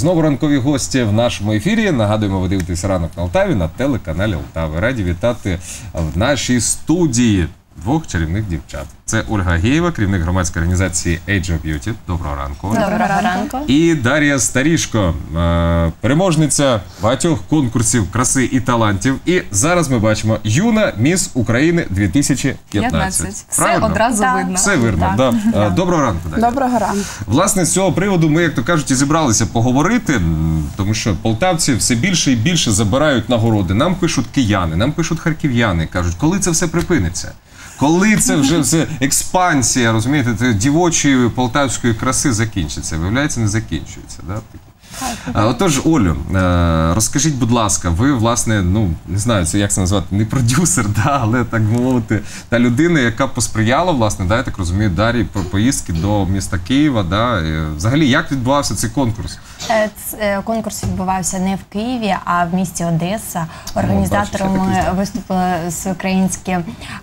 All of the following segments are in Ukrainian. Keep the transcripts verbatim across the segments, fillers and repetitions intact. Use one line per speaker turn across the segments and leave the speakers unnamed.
Знову ранкові гості в нашому ефірі. Нагадуємо, ви дивитесь «Ранок на Алтаві» на телеканалі Алтави. Раді вітати в нашій студії двох чарівних дівчат. Це Ольга Геєва, керівник громадської організації Age of Beauty. Доброго ранку.
Доброго ранку.
І Дар'я Старішко, переможниця багатьох конкурсів краси і талантів. І зараз ми бачимо «Юна Міс України дві тисячі п'ятнадцять».
Все одразу
да.
видно.
Все видно, так. Да. Да. Доброго ранку, Дар'я.
Доброго ранку.
Власне, з цього приводу ми, як то кажуть, і зібралися поговорити, тому що полтавці все більше і більше забирають нагороди. Нам пишуть кияни, нам пишуть харків'яни, кажуть, коли це все припиниться? Коли це вже все експансія, розумієте, дівочої полтавської краси закінчиться? Виявляється, не закінчується, да? Отож, Олю, розкажіть, будь ласка, ви, власне, ну, не знаю, це як це назвати, не продюсер, да, але, так мовити, та людина, яка посприяла, власне, да, я так розумію, Дар'ї, по поїздки до міста Києва, да, взагалі, як відбувався цей конкурс?
Конкурс відбувався не в Києві, а в місті Одеса. Організаторами виступили всеукраїнське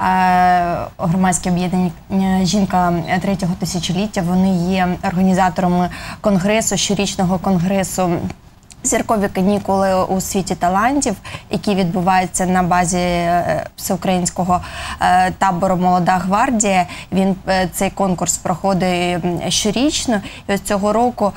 громадське об'єднання «Жінка третього тисячоліття». Вони є організаторами конгресу, щорічного конгресу «Зіркові канікули у світі талантів», який відбувається на базі всеукраїнського табору «Молода гвардія». Він, цей конкурс проходить щорічно. І ось цього року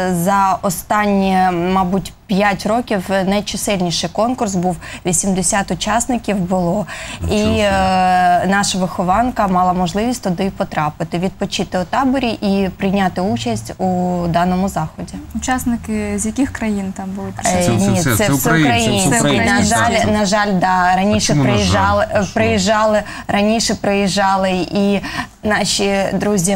за останні, мабуть, п'ять років найчисельніший конкурс був, вісімдесят учасників було. І е, наша вихованка мала можливість туди потрапити, відпочити у таборі і прийняти участь у даному заході.
Учасники з яких країн там були?
Е,
це,
ні,
це, це,
це,
це
всеукраїнські. На жаль, на жаль, да, раніше приїжджали,
жаль?
приїжджали, раніше приїжджали і наші друзі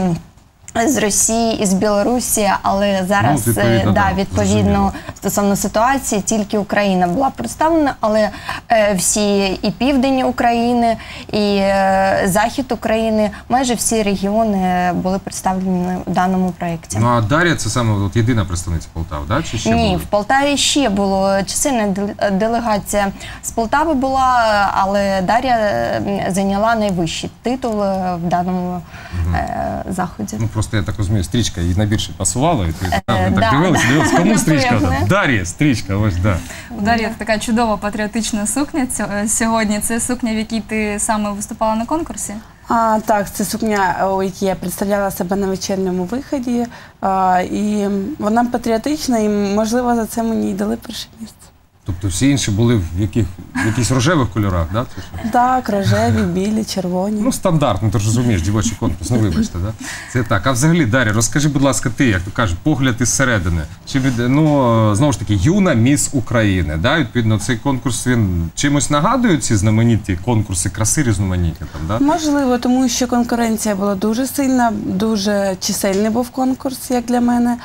з Росії і з Білорусі, але зараз, ну, відповідно, да, відповідно стосовно ситуації, тільки Україна була представлена, але е, всі і південь України, і е, захід України, майже всі регіони були представлені в даному проєкті.
Ну, а Дар'я це саме от, єдина представниця Полтави, да? Чи ще
Ні,
були?
в Полтаві ще було чисельна делегація з Полтави була, але Дар'я зайняла найвищий титул в даному угу. е, заході.
Ну, просто я так розумію, стрічка їй найбільше пасувала, і ти
Е,
там
да.
так дивилася, дивилася, кому стрічка? Дар'я, стрічка, ось, да.
У Дар'ї така чудова патріотична сукня сьогодні. Це сукня, в якій ти саме виступала на конкурсі?
А, так, це сукня, у якій я представляла себе на вечірньому виході. А, і вона патріотична, і, можливо, за це мені й дали перше місце.
Тобто всі інші були в яких, в якихось рожевих кольорах, да?
Так, рожеві, білі, червоні.
Ну, стандартно, ти ж розумієш, дівочий конкурс, ну вибачте, да? Це так. А взагалі, Дар'я, розкажи, будь ласка, ти, як то кажуть, погляд із середини. Чи від, ну, знову ж таки, юна міс України, да? Відповідно, цей конкурс, він чимось нагадує ці знамениті конкурси краси різноманітні там, да?
Можливо, тому що конкуренція була дуже сильна, дуже чисельний був конкурс, як для мене,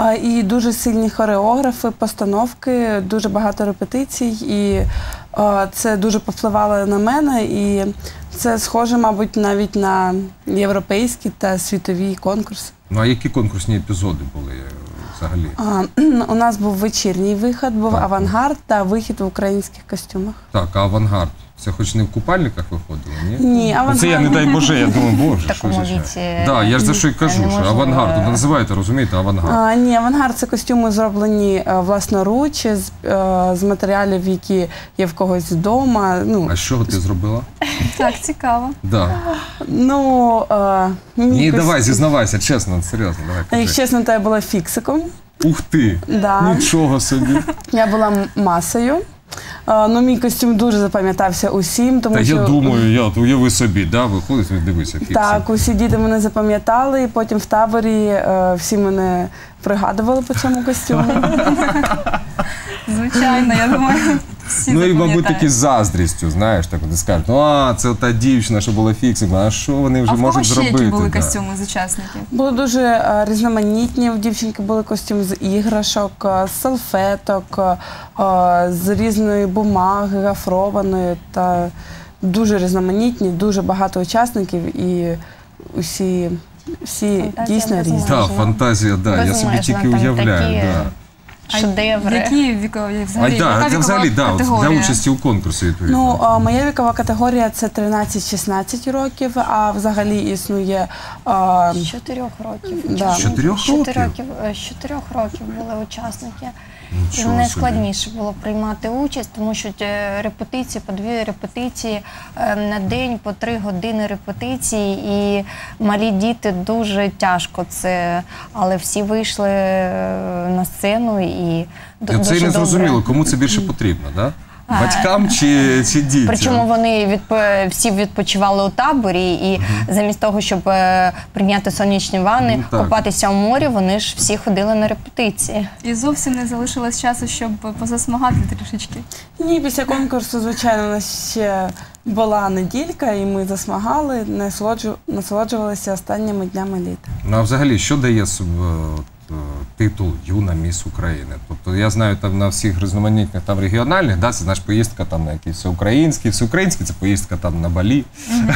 і дуже сильні хореографи, постановки, дуже багато репетицій, і о, це дуже повпливало на мене, і це схоже, мабуть, навіть на європейські та світові конкурси.
Ну, а які конкурсні епізоди були взагалі?
А, у нас був вечірній вихід, був
так,
авангард та вихід в українських костюмах.
Так, а авангард? Це хоч не в купальниках виходило, ні?
Ні, авангард.
Це я, не дай Боже, я думаю, Боже, що ж ще. Так, я ж за що й кажу, що авангард, ну, називаєте, розумієте, авангард.
А, ні, авангард – це костюми зроблені власноруч, з, з матеріалів, які є в когось вдома. Ну.
А з чого ти зробила?
Так, цікаво.
Да.
Ну, а,
ні, костюм... давай, зізнавайся, чесно, серйозно, давай. Кажи.
Якщо чесно, то я була фіксиком.
Ух ти,
да.
Нічого собі.
Я була масою. Uh, ну, мій костюм дуже запам'ятався усім, тому
Та
що...
я думаю, я, уяви собі, да, виходить, дивися, фіксик.
Так, усі діти мене запам'ятали, і потім в таборі uh, всі мене пригадували по цьому костюму.
Звичайно, я думаю, всі
Ну і, мабуть,
запам'ятають.
такі з заздрістю, знаєш, так вони скажуть, ну, а, це та дівчина, що була фіксиком, а що вони вже
а
можуть зробити?
А в кого ще які були
да.
костюми з учасників?
Були дуже uh, різноманітні, в дівчинки були костюми з іграшок, uh, з салфеток, uh, з різної бумаги, гофрованої, та дуже різноманітні, дуже багато учасників і усі... Всі
Фантазія
дійсно різні.
Так, фантазія, да, я собі тільки уявляю. Да.
А
шедеври.
Які вікові
А,
взагалі?
да,
яка
це взагалі, да, от, для
категорія?
участі у конкурсі, відповідно.
Ну, а, моя вікова категорія це тринадцять-шістнадцять років, а взагалі існує а,
З чотирьох років.
Да.
учасники.
З чотирьох
З чотирьох
років?
років? З чотирьох років були учасники. І
Нічого
найскладніше було приймати участь, тому що е, репетиції, по дві репетиції е, на день, по три години репетиції, і малі діти дуже тяжко це, але всі вийшли е, на сцену і ду-
І
дуже
це і не
добре.
зрозуміло, кому це більше потрібно, да? Батькам чи, чи дітям?
Причому вони відп... всі відпочивали у таборі, і замість того, щоб е, прийняти сонячні ванни,
Ну, так.
купатися у морі, вони ж всі ходили на репетиції.
І зовсім не залишилось часу, щоб позасмагати трішечки.
ні, після конкурсу, звичайно, у нас ще була неділька, і ми засмагали, насолоджу- насолоджувалися останніми днями літа.
Ну, а взагалі, що дає суб- от, е, титул «Юна міс України»? Тобто, я знаю, там на всіх різноманітних там регіональних, да, це, знаєш, поїздка там на якісь всеукраїнські, всеукраїнські, це поїздка там на Балі.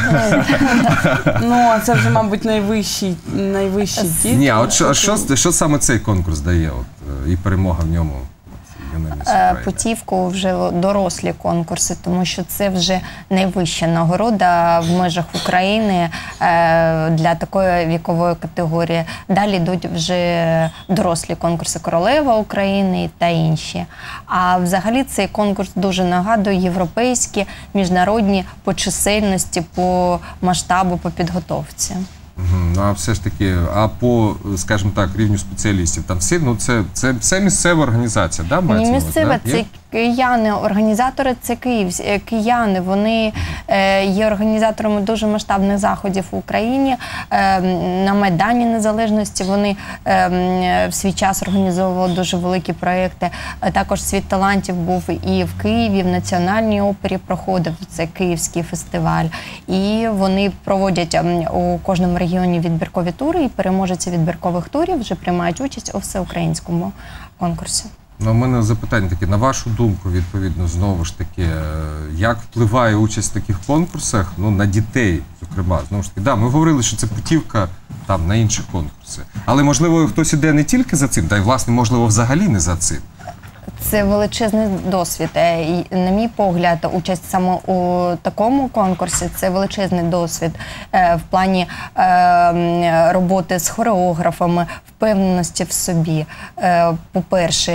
Ну, а це вже, мабуть, найвищий, найвищий дід.
Ні, а от що, а що, що саме цей конкурс дає? От, е, і перемога в ньому? От, «Юна міс
Е,
України».
Путівку вже дорослі конкурси, тому що це вже найвища нагорода в межах України е, для такої вікової категорії. Далі йдуть вже дорослі конкурси «Королева України» та інші. А взагалі цей конкурс дуже нагадує європейські, міжнародні по чисельності, по масштабу, по підготовці.
Мгм. Ну, а все ж таки, а по, скажімо так, рівню спеціалістів, там всі, ну, це, це, це місцева організація, да,
Ні,
мається на увазі,
місцеве,
да?
це
Є?
кияни, організатори це київсь- е, кияни. Вони е, є організаторами дуже масштабних заходів в Україні. Е, на Майдані Незалежності вони е, м, в свій час організовували дуже великі проекти. Е, Також «Світ талантів» був і в Києві, в Національній опері проходив, це Київський фестиваль. І вони проводять ем, у кожному регіоні відбіркові тури, і переможці відбіркових турів вже приймають участь у всеукраїнському конкурсі.
Ну, у мене запитання таке, на вашу думку, відповідно, знову ж таки, е, як впливає участь в таких конкурсах, ну, на дітей, зокрема, знову ж таки, да, ми говорили, що це путівка там на інші конкурси, але, можливо, хтось іде не тільки за цим, та й, власне, можливо, взагалі не за цим.
Це величезний досвід. Е, і, на мій погляд, участь саме у такому конкурсі це величезний досвід е, в плані е, м, роботи з хореографами, впевненості в собі. Е, По-перше,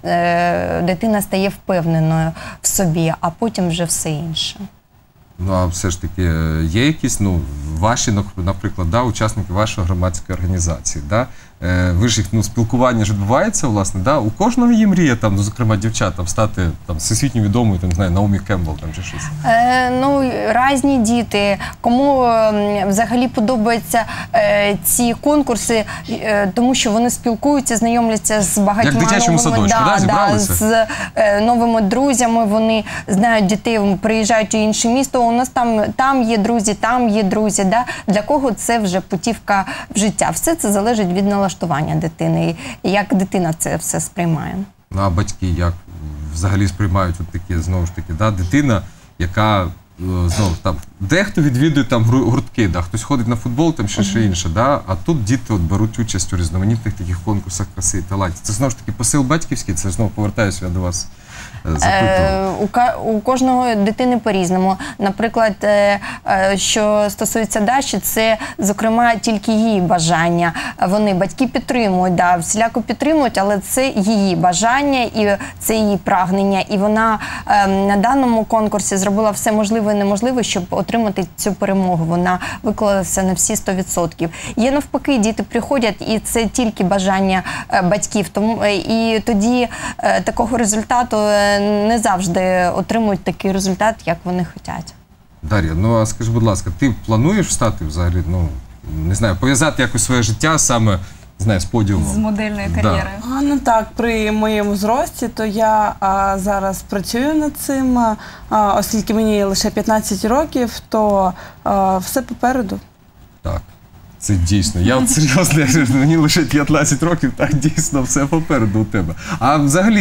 е, дитина стає впевненою в собі, а потім вже все інше.
Ну, а все ж таки, е, є якісь, ну, ваші, нак- наприклад, да, учасники вашої громадської організації, да? Е, ви ж їх, ну, спілкування ж відбувається, власне, да? У кожного є мрія, там, ну, зокрема, дівчат, там, стати там, всесвітньо відомою, там, не знаю, Наомі Кембл, там, чи щось.
Е, ну, різні діти, кому ем, взагалі подобаються е, ці конкурси, е, тому що вони спілкуються, знайомляться з багатьма
Як в дитячому
новими,
садочку, да, зібралися?
з е, новими друзями, вони знають дітей, приїжджають у інше місто, у нас там, там є друзі, там є друзі. Да? Для кого це вже путівка в життя? Все це залежить від налаштування дитини, і як дитина це все сприймає.
Ну, а батьки як взагалі сприймають от такі, знову ж таки, да, дитина, яка, е, знову там, дехто відвідує там гру- гуртки, да, хтось ходить на футбол, там ще, ще інше, да, а тут діти от беруть участь у різноманітних таких конкурсах краси і талантів. Це знову ж таки посил батьківський, це знову повертаюся я до вас. е, Запитував.
Е, у, ка- у кожного дитини по-різному. Наприклад, е, е, що стосується Даші, це, зокрема, тільки її бажання. Вони, батьки підтримують, да, всіляко підтримують, але це її бажання і це її прагнення. І вона е, на даному конкурсі зробила все можливе і неможливе, щоб отримати цю перемогу. Вона виклалася на всі сто відсотків. Є навпаки, діти приходять, і це тільки бажання е, батьків. Тому, е, і тоді е, такого результату е, не завжди отримують такий результат, як вони хочуть.
Дар'я, ну а скажи, будь ласка, ти плануєш стати взагалі, ну, не знаю, пов'язати якось своє життя саме, не знаю, з подіумом?
З модельної
Да.
кар'єри.
А, ну так, при моєму зрості, то я а, зараз працюю над цим, а, оскільки мені лише п'ятнадцять років, то а, все попереду.
Так, це дійсно. Я от серйозно, я ж- мені лише п'ятнадцять років, так дійсно все попереду у тебе. А взагалі,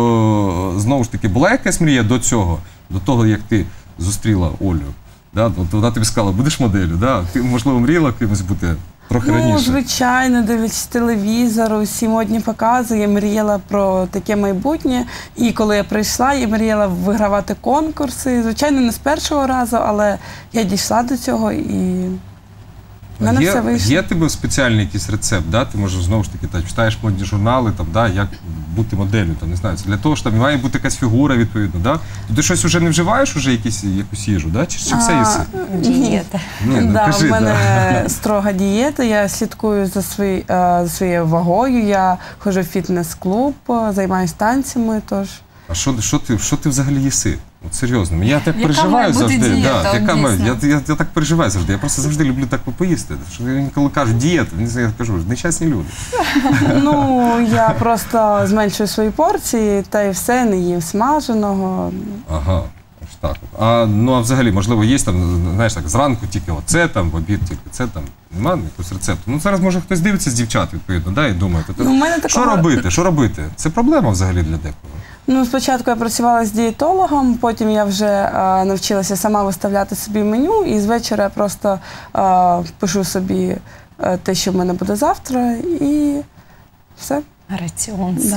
ну, знову ж таки, була якась мрія до цього, до того, як ти зустріла Олю? Да? От вона тобі сказала, будеш моделлю, да? Ти, можливо, мріяла кимось бути трохи
Ну,
раніше.
звичайно, дивлячись телевізор, усі модні покази, я мріяла про таке майбутнє. І коли я прийшла, я мріяла вигравати конкурси. Звичайно, не з першого разу, але я дійшла до цього і в мене
є,
все вийшло.
є тебе спеціальний якийсь рецепт, да? Ти можеш знову ж таки та, читаєш модні журнали, там, да, як бути моделлю, там, не знаю, це для того, що там має бути якась фігура відповідно. Да? То ти щось вже не вживаєш уже якісь, якусь їжу, да? чи, чи все їси?
Дієта.
Ні, ну,
Да,
кажи,
в мене
да.
строга дієта, я слідкую за, свої, е, за своєю вагою, я ходжу в фітнес-клуб, е, займаюся танцями, тож...
А що, що, ти, що ти взагалі їси? От серйозно, я так
Яка
переживаю
має бути
завжди.
дієта,
Да,
от
яка має,
дійсно?
я, я, я так переживаю завжди. Я просто завжди люблю так поїсти. Що я коли кажу дієта, я кажу, нещасні люди.
Ну, я просто зменшую свої порції, та й все, не їм смаженого.
Ага, ось так. От. А ну а взагалі, можливо, є там, знаєш, так, зранку тільки оце там, в обід тільки це там. Немає якогось рецепту. Ну зараз може хтось дивиться з дівчат, відповідно, да, і думає, то,
Ну, в мене
що
такого-
робити? Що робити? Це проблема взагалі для декого.
Ну, спочатку я працювала з дієтологом, потім я вже е, навчилася сама виставляти собі меню, і з вечора я просто е, пишу собі е, те, що в мене буде завтра, і все.
Раціон.
Да.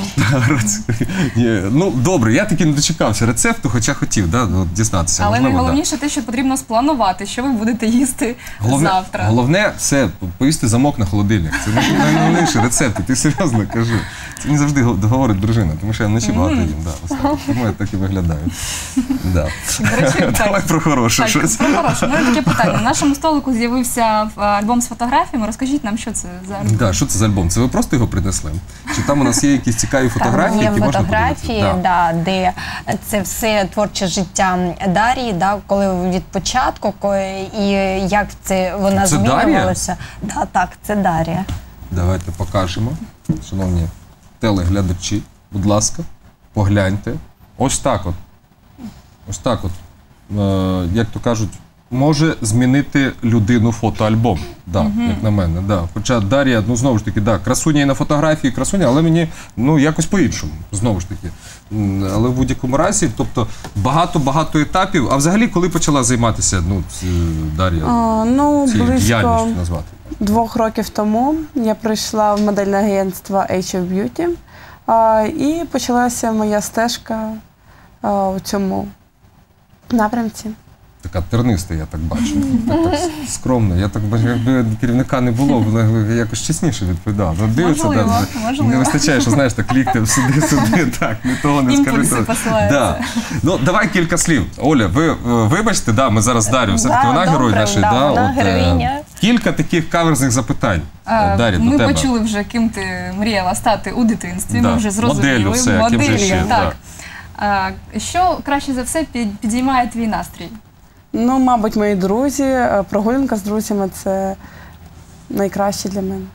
Ні, ну добре, я таки не дочекався рецепту, хоча хотів да, ну, дізнатися.
Але
Можливо, да.
найголовніше те, що потрібно спланувати, що ви будете їсти
Головне,
завтра.
головне це повісти замок на холодильник. Це най- найголовніший рецепт. І ти серйозно кажу. Це мені завжди го- говорить дружина, тому що я вночі багато їм. Да, ось так. Тому я так і виглядаю. Да.
До речі, так.
Давай про хороше
Так,
щось.
про хороше. Ну, і таке питання. На нашому столику з'явився е, альбом з фотографіями. Розкажіть нам, що це за альбом?
Да, що це за альбом? Це ви просто його принесли? Чи там у нас є якісь цікаві фотографії,
Там є
які можна
фотографії,
подивитися?
да, де це все творче життя Дар'ї, да, коли від початку, ко- і як це вона
Це Дар'я?
змінювалася. Да, так, це Дар'я.
Давайте покажемо. Шановні телеглядачі, будь ласка, погляньте. Ось так от. Ось так от. Е, як то кажуть, може змінити людину фотоальбом. Да, як на мене. Да. Хоча Дар'я, ну знову ж таки, да, красуня і на фотографії, красуня, але мені ну, якось по-іншому. Знову ж таки. М, Але в будь-якому разі, тобто багато-багато етапів. А взагалі, коли почала займатися ну, ц- Дар'я
А, ну,
цією
близько
діяльністю назвати?
двох років тому я прийшла в модельне агентство Age of Beauty, а, і почалася моя стежка а, у цьому напрямці.
Така терниста, я так бачу. Так, так скромно. Я так бачу, якби керівника не було, вона якось чесніше відповідала. Ну, дивиться,
Можливо,
да,
можливо.
не вистачає, що знаєш, так ліктем сюди, сюди, так, не того не скажи.
Імпульси
того.
посилаються.
Да. Ну, давай кілька слів. Оля, ви е, вибачте, да, ми зараз Дар'ю, все-таки
Да,
вона
добре,
герой нашої,
да,
да,
вона
от, е,
героїня.
кілька таких каверзних запитань.
А,
От, Дар'я, до
ми
тебе.
почули вже, ким ти мріяла стати у дитинстві.
Да.
Ми вже зрозуміли.
Моделлю все, ким же ще,
так. А, що краще за все під- підіймає твій настрій?
Ну, мабуть, мої друзі, е, прогулянка з друзями – це найкраще для мене.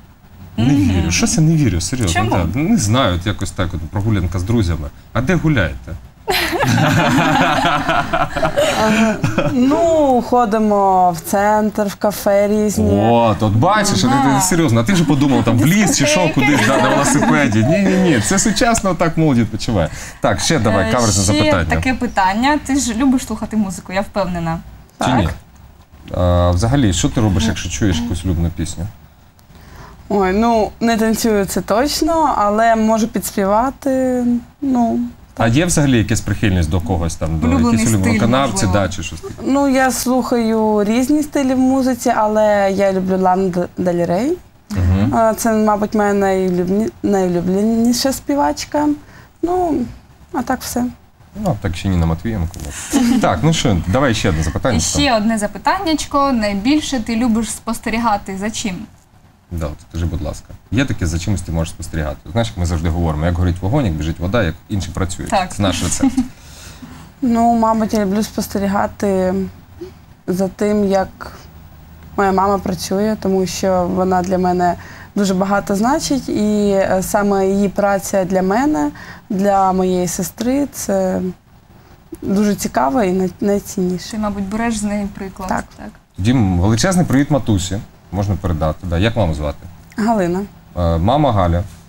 Не вірю, щось я не вірю, серйозно.
Чому?
Да. Не знаю, от якось так, от, прогулянка з друзями. А де гуляєте?
Ну, ходимо в центр, в кафе різні.
От, от бачиш, а ти, серйозно, а ти ж подумав, там в ліс чи що, кудись да, на велосипеді. Ні, ні, ні, це сучасно так молодь відпочиває. Так, ще давай,
Е,
каверзне
ще
запитання.
таке питання. Ти ж любиш слухати музику, я впевнена.
Чи ні? А, взагалі, що ти робиш, якщо чуєш якусь улюблену пісню?
Ой, ну, не танцюю це точно, але можу підспівати, ну...
А є взагалі якась прихильність до когось там, до
Улюблений
якихось улюблених
стиль,
виконавців,
можливо.
да, чи щось таке?
Ну, я слухаю різні стилі в музиці, але я люблю Лану Дель Рей.
Угу.
А, Це, мабуть, моя найулюблені... найулюбленіша співачка. Ну, а так все.
Ну, так ще Ніна Матвієнко. от. Так, ну що, давай ще одне запитання.
І ще одне запитаннячко. Найбільше ти любиш спостерігати за чим?
Да, от скажи, будь ласка, є таке, за чимось ти можеш спостерігати? Знаєш, як ми завжди говоримо, як горить вогонь, як біжить вода, як інші працюють.
Так.
Це наш рецепт.
Ну, мабуть, я люблю спостерігати за тим, як моя мама працює, тому що вона для мене дуже багато значить, і е, саме її праця для мене, для моєї сестри, це дуже цікаво і най- найцінніше.
Ти, мабуть, береш з неї приклад.
Так.
Тоді величезний привіт матусі, можна передати. Да. Як маму звати?
Галина.
Е, Мама Галя,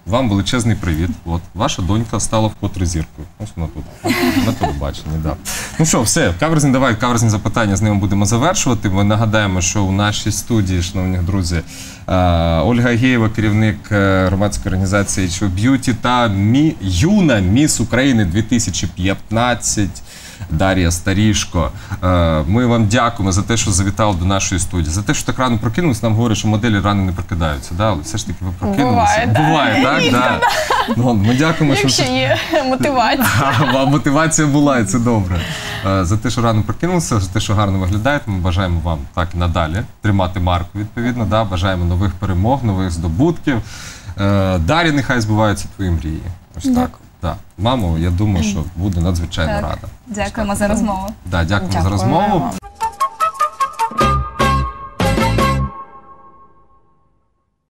вам величезний привіт. От, ваша донька стала вкотре зіркою. Ось вона тут, на телебаченні, да. Ну що, все, каверзні, давай, каверзні запитання, з ними будемо завершувати. Ми нагадаємо, що у нашій студії, шановні друзі, е, Ольга Агєєва, керівник е, громадської організації ейч о Beauty та мі, юна міс України дві тисячі п'ятнадцять. Дар'я Старішко. Е, Ми вам дякуємо за те, що завітали до нашої студії, за те, що так рано прокинулись. Нам говорять, що моделі рано не прокидаються, да? Але все ж таки ви прокинулися.
Буває, да.
Буває, так? Да. Ну, ми дякуємо, що...
Якщо є мотивація.
А, мотивація була, і це добре. Е, За те, що рано прокинулися, за те, що гарно виглядаєте, ми бажаємо вам так і надалі тримати марку, відповідно, да? Бажаємо нових перемог, нових здобутків. Е, Дар'я, нехай збуваються твої мрії. Ось так.
Дякую.
Так. Мамо, я думаю, що буде надзвичайно
Так.
рада.
Дякуємо за розмову.
Да, дякуємо за
Дякуємо
розмову.
вам.